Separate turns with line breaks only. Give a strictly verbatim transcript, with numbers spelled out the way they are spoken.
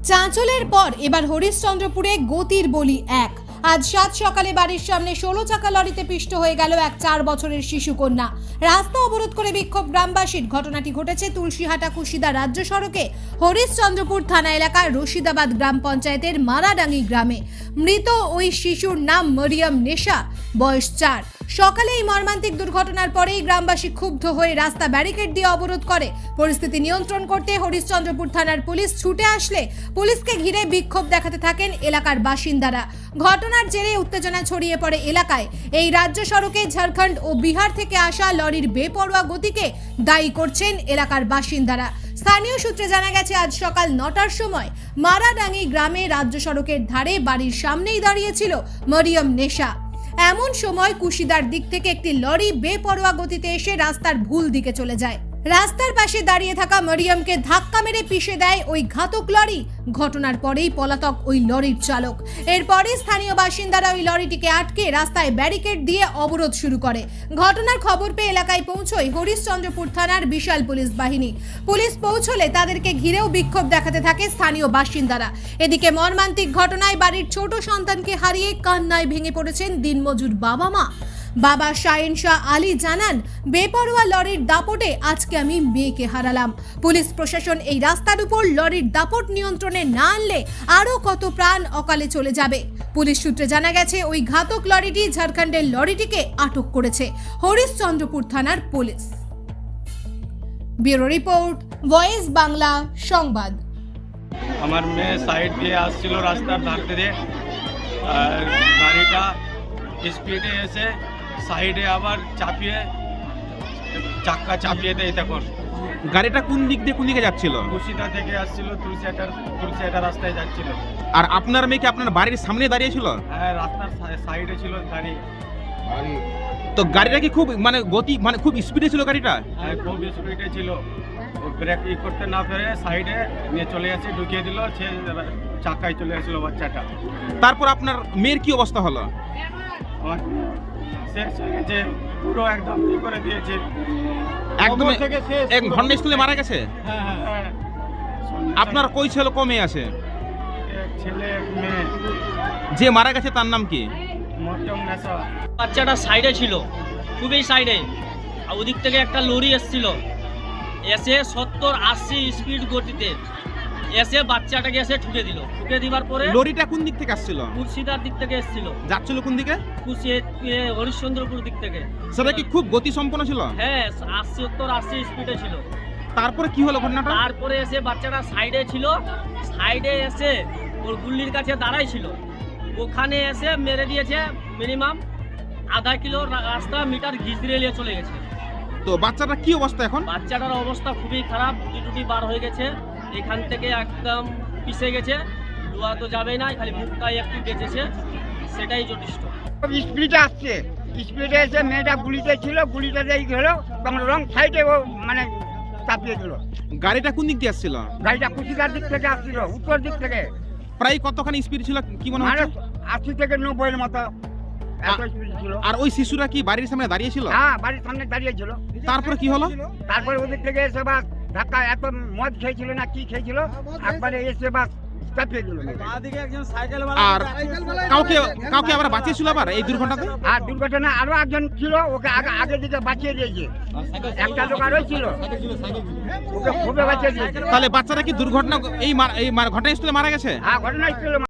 চাঁচলের পর এবার হরিশ্চন্দ্রপুরে গতির বলি এক। আজ সাত সকালে বাড়ির সামনে ষোলো চাকা লরিতে পিষ্ট হয়ে গেল এক চার বছরের শিশু কন্যা। রাস্তা অবরোধ করে বিক্ষোভ গ্রামবাসীর। ঘটনাটি ঘটেছে তুলসীহাটা কুশিদা রাজ্য সড়কে হরিশ্চন্দ্রপুর থানা এলাকার রশিদাবাদ গ্রাম পঞ্চায়েতের মারাডাঙ্গি গ্রামে। মৃত ওই শিশুর নাম মরিয়ম নেশা, বয়স চার। সকালে এই মর্মান্তিক দুর্ঘটনার পরেই গ্রামবাসী ক্ষুব্ধ হয়ে রাস্তা ব্যারিকেড দিয়ে অবরোধ করে। পরিস্থিতি নিয়ন্ত্রণ করতে হরিশ্চন্দ্রপুর থানার পুলিশ ছুটে আসলে পুলিশকে ঘিরে বিক্ষোভ দেখাতে থাকেন এলাকার বাসিন্দারা। ঘটনার জেরে উত্তেজনা ছড়িয়ে পড়ে এলাকায়। এই রাজ্য সড়কে ঝাড়খণ্ড ও বিহার থেকে আসা লরির বেপরোয়া গতিকে দায়ী করছেন এলাকার বাসিন্দারা। স্থানীয় সূত্রে জানা গেছে, আজ সকাল নটার সময় মারাডাঙ্গি গ্রামে রাজ্য সড়কের ধারে বাড়ির সামনেই দাঁড়িয়েছিল মরিয়ম নেশা। এমন সময় কুশিদার দিক থেকে একটি লরি বেপরোয়া গতিতে এসে রাস্তার ভুল দিকে চলে যায়। রাস্তার পাশে দাঁড়িয়ে থাকা মরিয়মকে ধাক্কা মেরে পিষে দেয় ওই ঘাতক লরি। ঘটনার পরেই পলাতক ওই লরির চালক। এরপরে স্থানীয় বাসিন্দারা ওই লরিটিকে আটকে রাস্তায় ব্যারিকেড দিয়ে অবরোধ শুরু করে। ঘটনার খবর পেয়ে এলাকায় পৌঁছয় হরিশ্চন্দ্রপুর থানার বিশাল পুলিশ বাহিনী। পুলিশ পৌঁছলে তাদেরকে ঘিরেও বিক্ষোভ দেখাতে থাকে স্থানীয় বাসিন্দারা। এদিকে মর্মান্তিক ঘটনায় বাড়ির ছোট সন্তানকে হারিয়ে কান্নায় ভেঙে পড়েছেন দিনমজুর বাবা মা। বাবা শাহিন শাহ আলী জানান, বেপরোয়া লরির দাপটে আজকে আমি মেয়েকে হারালাম। পুলিশ প্রশাসন এই রাস্তার উপর লরির দাপট নিয়ন্ত্রণে না আনলে আরো কত প্রাণ অকালে চলে যাবে। পুলিশ সূত্রে জানা গেছে, ওই ঘাতক লরিটি ঝাড়খণ্ডের লরিটিকে আটক করেছে হরিশ্চন্দ্রপুর থানার police. Bureau report, voice Bangla সংবাদ।
আমার মেয়ে সাইড দিয়ে আসছিল রাস্তার ধার থেকে, আর গাড়িটা স্পিডে এসে সাইডে আবার চাপিয়ে চাক্কা চাপিয়ে দেয়। তখন
গাড়িটা কোন দিক দিয়ে কোন দিকে যাচ্ছিল?
কুশিদা থেকে আসছিল, তুলসিয়াটার তুলসিয়াটা রাস্তায় যাচ্ছিল।
আর আপনার মেয়ে কি আপনার বাড়ির সামনে দাঁড়িয়ে ছিল?
হ্যাঁ, রাস্তার সাইডে ছিল গাড়ি।
তো গাড়িটা কি খুব মানে গতি মানে খুব স্পিডে ছিল গাড়িটা?
হ্যাঁ, খুব স্পিডে ছিল। ও ব্রেক ই করতে না পেরে সাইডে নিয়ে চলে আসে, ঢুকিয়ে দিল। সে চাকায় চলে আসলো বাচ্চাটা।
তারপর আপনার মেয়ের কি অবস্থা হলো?
আমার শেষ হয়ে গেছে, পুরো একদম ই করে দিয়েছে।
একদম এক ঘটনাস্থলে মারা গেছে।
হ্যাঁ হ্যাঁ হ্যাঁ।
আপনার কই ছেলে কমে আছে?
এক ছেলে এক মেয়ে।
যে মারা গেছে তার নাম কি?
মরিয়ম নেশা।
বাচ্চাটা সাইডে ছিল, খুবই সাইডে। আর ওদিক থেকে একটা লরি এসছিল, এসে সত্তর আশি স্পিড গতিতে এসে বাচ্চাটাকে এসে ঠুকে দিল। ঠুকে দিবার পরে
লরিটা কোন দিক থেকে আসছিল?
মুর্শিদার দিক থেকে এসছিল।
যাচ্ছিল কোন দিকে?
কুশি হরিশ্চন্দ্রপুর দিক থেকে।
সেটা কি খুব গতি সম্পন্ন ছিল?
হ্যাঁ, আশি সত্তর আশি স্পিডে ছিল।
তারপরে কি হলো ঘটনাটা?
তারপরে এসে বাচ্চাটা সাইডে ছিল, সাইডে এসে ওর গুল্লির কাছে দাঁড়াই ছিল, ওখানে এসে মেরে দিয়েছে। মিনিমাম আধা কিলো রাস্তা মিটার ঘিচড়ে নিয়ে চলে গেছে।
তো বাচ্চাটা কি অবস্থা এখন?
বাচ্চাটার অবস্থা খুবই খারাপ, টুটি টুটি বার হয়ে গেছে, এখান থেকে একদম পিষে গেছে। লোয়া তো যাবেই না, খালি মুখটাই একটু বেঁচেছে, সেটাই যথেষ্ট।
স্পিডে আসছে, স্পিডে এসে মেয়েটা গুলিতে ছিল, গুলিটা দিয়ে গেলো তখন রং সাইডে ও মানে চাপিয়ে দিল।
গাড়িটা কোন দিক দিয়ে আসছিল?
গাড়িটা কুশিদার দিক থেকে আসছিল, উত্তর দিক থেকে।
প্রায় কতখানি স্পিড ছিল কি মনে
মানে
হচ্ছে?
আশি থেকে নব্বইয়ের মতো এত স্পিড ছিল।
আর ওই শিশুরা কি বাড়ির সামনে দাঁড়িয়ে ছিল?
হ্যাঁ, বাড়ির সামনে দাঁড়িয়ে ছিল।
তারপরে কি হলো?
তারপরে ওদিক থেকে এসে বাস ধাক্কা, এত মদ খেয়েছিল না কি খেয়েছিল, একবারে এসে বাস চাপিয়ে দিল।
আর কাউকে কাউকে আবার বাঁচিয়েছিল আবার এই দুর্ঘটনাতে?
আর দুর্ঘটনা আরো একজন ছিল, ওকে আগে আগের দিকে বাঁচিয়ে দিয়েছে। একটা লোক আরো ছিল, ওকে খুবই বাঁচিয়ে দিয়েছে।
তাহলে বাচ্চারা কি দুর্ঘটনা এই মার- এই মার- ঘটনাস্থলে মারা গেছে?
হ্যাঁ, ঘটনাস্থলে